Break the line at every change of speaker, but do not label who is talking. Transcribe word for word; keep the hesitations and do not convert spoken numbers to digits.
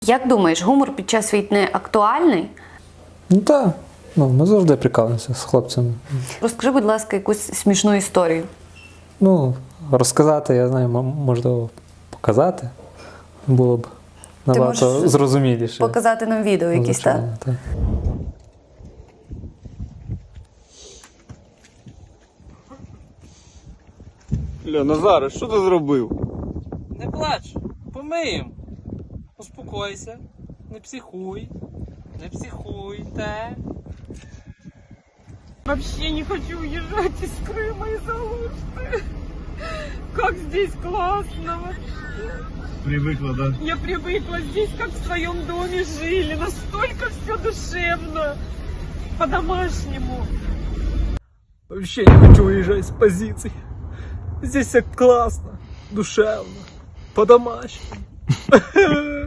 Як думаєш, гумор під час війни актуальний?
Ну так, ну, ми завжди прикалуємося з хлопцями.
Розкажи, будь ласка, якусь смішну історію.
Ну, розказати, я знаю, м- можливо, показати було б набагато
можеш
зрозуміліше.
Показати нам відео
Ну,
якісь, так?
звичайно, так.
Ля, Назаре, що ти зробив?
Не плач, помиєм. Успокойся, не психуй, не психуй, так.
Вообще не хочу уезжать из Крыма из Алушты. Как здесь классно вообще.
Привикла, да?
Я привыкла здесь, как в своем доме жили. Настолько все душевно. По-домашнему.
Вообще не хочу уезжать с позиций. Здесь все классно, душевно, по-домашнему.